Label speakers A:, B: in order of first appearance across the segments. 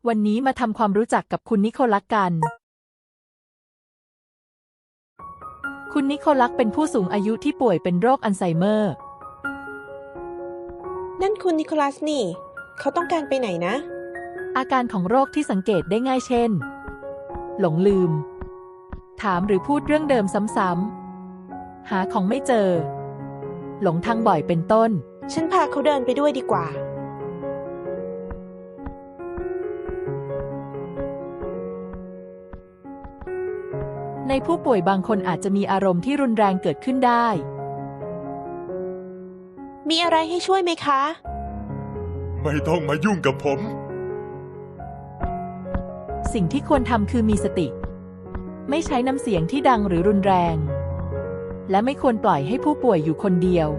A: วันนี้มาทำความรู้จักกับคุณนิโคลัสกัน คุณนิโคลัสเป็นผู้สูงอายุที่ป่วยเป็นโรคอัลไซเมอร์
B: นั่นคุณนิโคลัสนี่ เขาต้องการไปไหนนะ
A: อาการของโรคที่สังเกตได้ง่ายเช่น หลงลืม ถามหรือพูดเรื่องเดิมซ้ำๆ หาของไม่เจอ หลงทางบ่อยเป็นต้น
B: ฉันพาเขาเดินไปด้วยดีกว่า
A: ในผู้ป่วยบางคนอาจจะมีอารมณ์ที่รุนแรงเกิดขึ้นได้
B: มีอะไรให้ช่วยไหมคะ
C: ไม่ต้องมายุ่งกับผม
A: สิ่งที่ควรทำคือมีสติ ไม่ใช้น้ำเสียงที่ดังหรือรุนแรง และไม่ควรปล่อยให้ผู้ป่วยอยู่คนเดียว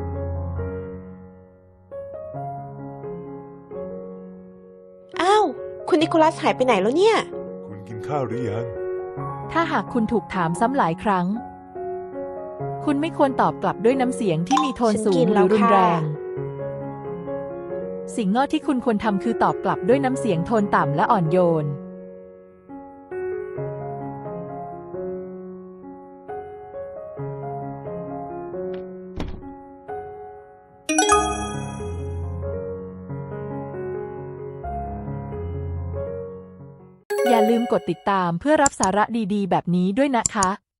B: อ้าว คุณนิโคลัสหายไปไหนแล้วเนี่ย
C: คุณกินข้าวหรือยัง
A: ถ้าหากคุณถูกถามซ้ำหลายครั้ง คุณไม่ควรตอบกลับด้วยน้ำเสียงที่มีโทนสู
B: ฉันกิ
A: ง
B: น
A: ห
B: แล้
A: รือ
B: ว
A: รุนแรง
B: ค่ะ
A: สิ่งงอที่คุณควรทำคือตอบกลับด้วยน้ำเสียงโทนต่ำและอ่อนโยน อย่าลืมกดติดตามเพื่อรับสาระดีๆแบบนี้ด้วยนะคะ